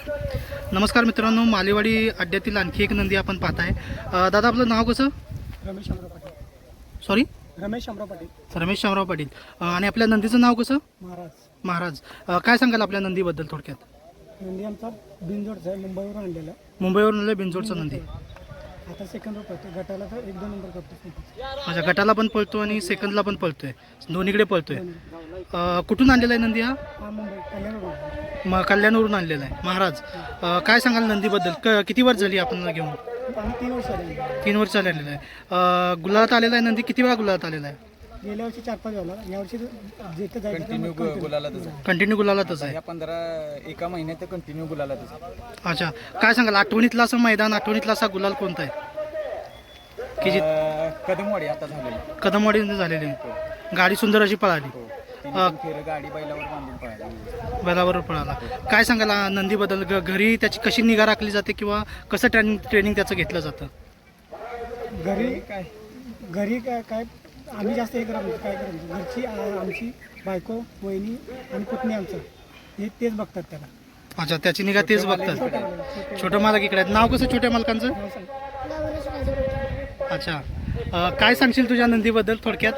नमस्कार मित्रांनो, मालेवाडी अड्ड्यातील आणखी एक नंदी आपण पाहत आहे. दादा आपलं नाव कसं? रमेश शामराव पाटील. सॉरी, रमेश शामराव पाटील. रमेश शामराव पाटील. आणि आपल्या नंदीचं नाव कसं? महाराज. महाराज. काय सांगाल आपल्या नंदीबद्दल थोडक्यात? नंदी आमचा बिनजोडचा आहे, मुंबईवरून आणलेला. मुंबईवरून आलेला बिनजोडचा नंदी. आता सेकंड पळतो, गटाला तर 1-2 नंबर करतो. माझ्या गटाला पण पळतो आणि सेकंदला पण पळतोय, दोन्हीकडे पळतोय. कुठून आणलेला आहे नंदी हा? हा मुंबई कल्याणवरून. कल्याणवरून आणलेला आहे. महाराज, काय सांगाल नंदीबद्दल? किती वर्ष झाली आपण घेऊन? आम्ही 3 वर्ष आले. 3 वर्ष आलेलं आहे. गुलालात आलेला आहे नंदी. किती वेळा गुलालात आलेला आहे? गेल्या वर्षी 4-5 झाला. यावर्षी जिथे जायचं कंटिन्यू गुलालातच आहे. कंटिन्यू गुलालातच आहे. या 15 महिन्यात कंटिन्यू गुलालातच आहे. अच्छा, काय सांगाल आठवणीतला असं मैदान, आठवणीतला असा गुलाल कोणता आहे की जी? कदमवाडी आता झालेली. कदमवाडीमध्ये झालेली गाडी सुंदर अशी पळाली. फेर गाडी बैलावर बांधून पळाली. बैलाबरोबर पळाला. काय सांगाल नंदीबद्दल? घरी त्याची कशी निगा राखली जाते किंवा कसं ट्रेनिंग त्याचं घेतलं जातं? घरी काय आम्ही जास्त हे करत काय करायचं, घरची आमची बायको, वहिनी आणि पुतणी आमचं हे तेच बघतात त्याला. अच्छा, त्याची निगा तेच बघतात. छोटं मालक इकडे आहेत. नाव कसं छोट्या मालकांचं? अच्छा, काय सांगशील तुझ्या नंदीबद्दल थोडक्यात?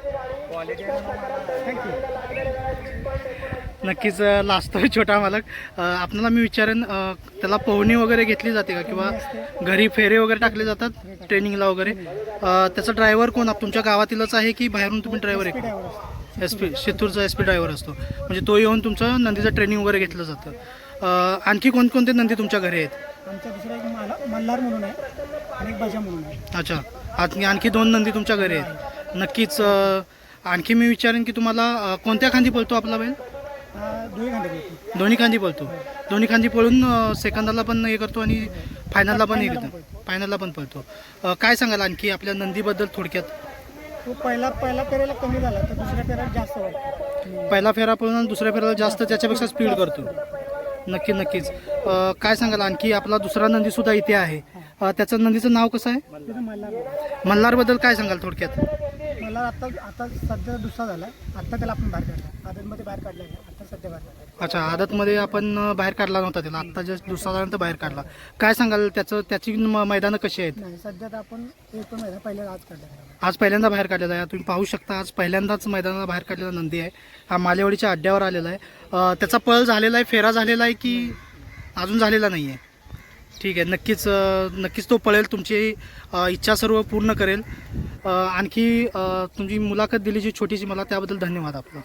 नक्कीच लाजतोय छोटा मालक. आपल्याला मी विचारेन, त्याला पोहणी वगैरे घेतली जाते का किंवा घरी फेरे वगैरे टाकले जातात ट्रेनिंगला वगैरे? त्याचा ड्रायव्हर कोण? तुमच्या गावातीलच आहे की बाहेरून तुम्ही ड्रायव्हर आहे? SP शितूरचा SP ड्रायव्हर असतो, म्हणजे तो येऊन तुमचं नंदीचं ट्रेनिंग वगैरे घेतलं जातं. आणखी कोणकोणते नंदी तुमच्या घरी आहेत? आमच्या दुसरा एक मल्हार म्हणून आहे आणि एक बाजा म्हणून आहे. अच्छा, आणखी 2 नंदी तुमच्या घरी आहेत. नक्कीच. आणखी मी विचारेन की तुम्हाला कोणत्या खांदी पळतो आपला बैल? दोन्ही खांदी पळतो. दोन्ही खांदी पळून सेकंदाला पण हे करतो आणि फायनलला पण हे करतो. फायनलला पण पळतो. काय सांगाल आणखी आपल्या नंदीबद्दल थोडक्यात? तो पहिला फेऱ्याला कमी झाला तर दुसऱ्या फेऱ्याला जास्त वाटतो. पहिला फेरा पळून आणि दुसऱ्या फेऱ्याला जास्त त्याच्यापेक्षा स्पीड करतो. नक्कीच. काय सांगाल आणखी आपला दुसरा नंदीसुद्धा इथे आहे. त्याचं नंदीचं नाव कसं आहे? मल्हारबद्दल काय सांगाल थोडक्यात? मला आता सध्या दुसरा झाला. आता त्याला आपण बाहेर काढला, आदतमध्ये बाहेर काढला, आता सध्या बाहेर काढला. अच्छा, आदतमध्ये आपण बाहेर काढला नव्हता त्याला, आता जस्ट दुसरा झाल्यानंतर बाहेर काढला. काय सांगाल त्याची मैदानं कशी आहेत? नाही, सध्या तर आपण एकूण मैदान पहिल्यांदा आज काढला. आज पहिल्यांदा बाहेर काढलेला आहे. तुम्ही पाहू शकता, आज पहिल्यांदाच मैदानाला बाहेर काढलेला नंदी आहे. हा मालेवाडीच्या अड्ड्यावर आलेला आहे. त्याचा पळ झालेला आहे, फेरा झालेला आहे की अजून झालेला नाही आहे? ठीक आहे, नक्कीच तो पळेल. तुमची इच्छा सर्व पूर्ण करेल. आणखी तुमची मुलाखत दिली जी छोटीशी, मला त्याबद्दल धन्यवाद आपला.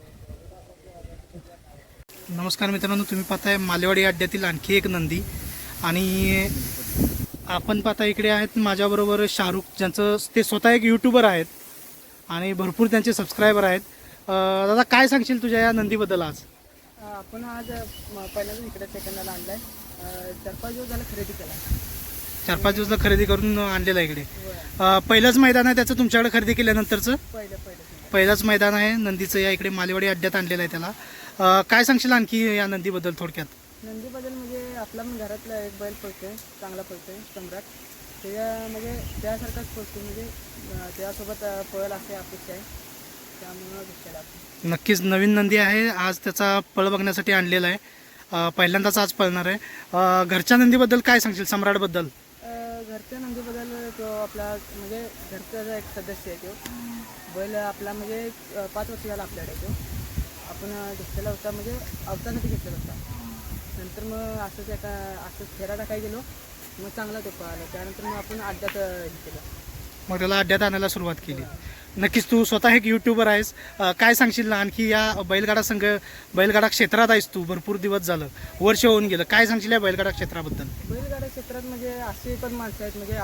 नमस्कार मित्रांनो, तुम्ही पाहताय मालेवाडी अड्ड्यातील आणखी एक नंदी. आणि आपण पाहता इकडे आहेत माझ्याबरोबर शाहरुख, ज्यांचं ते स्वतः एक यूट्यूबर आहेत आणि भरपूर त्यांचे सबस्क्रायबर आहेत. दादा, काय सांगशील तुझ्या या नंदीबद्दल? आज आपण पहिल्यांदा इकडे सेकंदाला आणलाय. 4-5 दिवस झाला खरेदी केला. 4-5 दिवसला खरेदी करून आणलेलं आहे इकडे. पहिलंच मैदान आहे त्याचं तुमच्याकडे खरेदी केल्यानंतरचं? पहिलंच मैदान आहे नंदीचं. या इकडे मालेवाडी अड्ड्यात आणलेलं आहे त्याला. काय सांगशील आणखी या नंदीबद्दल थोडक्यात? नंदीबद्दल म्हणजे आपला पण घरातला एक बैल पळतोय, चांगला पळतोय, सम्राट. त्याच्या म्हणजे त्यासारखाच पळतो, म्हणजे त्यासोबत पळेल अशी अपेक्षा आहे. त्यामुळं घेतलेला आपण. नक्कीच नवीन नंदी आहे. आज त्याचा पळ बघण्यासाठी आणलेला आहे. पहिल्यांदाच आज पळणार आहे. घरच्या नंदीबद्दल काय सांगशील, सम्राटबद्दल? घरच्या नंदीबद्दल तो आपला म्हणजे घरचा एक सदस्य आहे. तो बैल आपला म्हणजे 5 वर्ष झाला आपल्याकडे. तो आपण घेतलेला होता, म्हणजे अवताराने घेतलेला होता. नंतर मग असंच फेरा टाकायला गेलो, मग चांगला तो पळाला. त्यानंतर मग आपण अड्ड्यात हे केलं, मग त्याला अड्ड्यात आणायला सुरुवात केली. नक्कीच तू स्वतः एक यूट्यूबर आहेस. काय सांगशील ना आणखी या बैलगाडा क्षेत्रात आहेस तू, भरपूर दिवस झालं, वर्ष होऊन गेलं. काय सांगशील या बैलगाडा क्षेत्राबद्दल? बैलगाडा क्षेत्रात म्हणजे असे पण माणसं आहेत, म्हणजे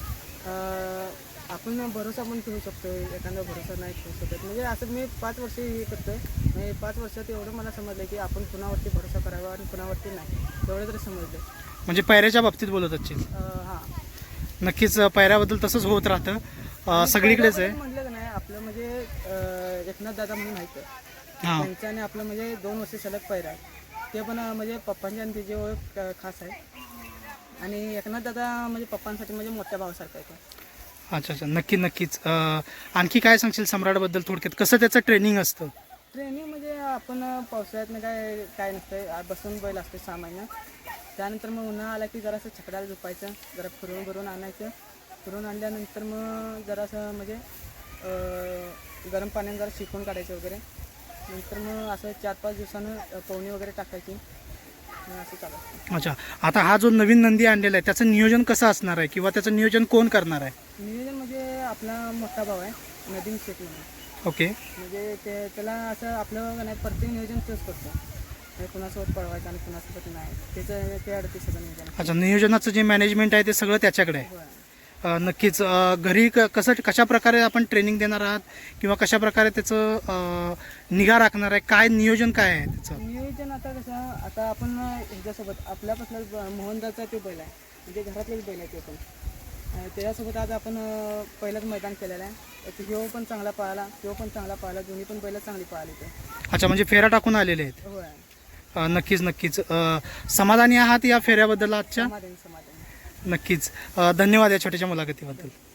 आपण भरोसा पण ठेवू शकतो, एखादा भरोसा नाही ठेवू शकत. म्हणजे असं मी 5 वर्ष हे करतोय. म्हणजे 5 वर्षात एवढं मला समजलं की आपण कुणावरती भरोसा करावा आणि कुणावरती नाही, एवढं तरी समजलं. म्हणजे पायऱ्याच्या बाबतीत बोलत असशील? हां, नक्कीच. पायऱ्याबद्दल तसंच होत राहतं, सगळीकडेच आहे. म्हटलं का नाही, आपलं म्हणजे एकनाथ दादा म्हणून आहे, त्यांच्याने आपलं म्हणजे 2 वर्ष सलग पायरा. ते पण म्हणजे पप्पांच्या आणि त्याची ओळख खास आहे. आणि एकनाथ दादा म्हणजे पप्पांसाठी म्हणजे मोठ्या भावासारखा आहे तो. अच्छा, नक्कीच. आणखी काय सांगशील सम्राटबद्दल थोडक्यात? कसं त्याचं ट्रेनिंग असतं? ट्रेनिंग म्हणजे आपण पावसाळ्यात काय नसतं, बसून बैल असते 6 महिने. त्यानंतर मग उन्हाळा आला की जरासं छकड्याला झोपायचं, जरा फिरून आणायचं. फिरून आणल्यानंतर मग जरासं म्हणजे गरम पाण्याने जरा शिकवून काढायचं वगैरे. नंतर मग असं 4-5 दिवसानं पवनी वगैरे टाकायची. मग असं चालू. अच्छा, आता हा जो नवीन नंदी आणलेला आहे त्याचं नियोजन कसं असणार आहे किंवा त्याचं नियोजन कोण करणार आहे? नियोजन म्हणजे आपला मोठा भाऊ आहे नदीम शेख म्हणून. ओके. म्हणजे त्याला असं आपलं नाही प्रत्येक नियोजन तोच करतो. म्हणजे कुणासोबत पळवायचं आणि कुणासोबत नाही, त्याचं ते अडते सगळं नियोजन. अच्छा, नियोजनाचं जे मॅनेजमेंट आहे ते सगळं त्याच्याकडे आहे. होय. नक्कीच. घरी कशा प्रकारे आपण ट्रेनिंग देणार आहात किंवा कशा प्रकारे त्याचं निगा राखणार आहे, काय नियोजन काय आहे त्याचं? नियोजन आता कसं, आता आपण ह्याच्यासोबत आपल्यापासून मोहनदाचा तो बैल आहे, म्हणजे घरातलेच बैल आहे ते पण. त्याच्यासोबत आज आपण पहिलंच मैदान केलेलं आहे. ह्यो पण चांगला पळाला, तो पण चांगला पळाला, दोन्ही पण बैल चांगली पळाली ते. अच्छा, म्हणजे फेरा टाकून आलेले आहेत. होय. नक्कीच. समाधानी आहात या फेऱ्याबद्दल आजच्या? समाधान. नक्कीच. धन्यवाद या छोट्याशा मुलाखतीबद्दल.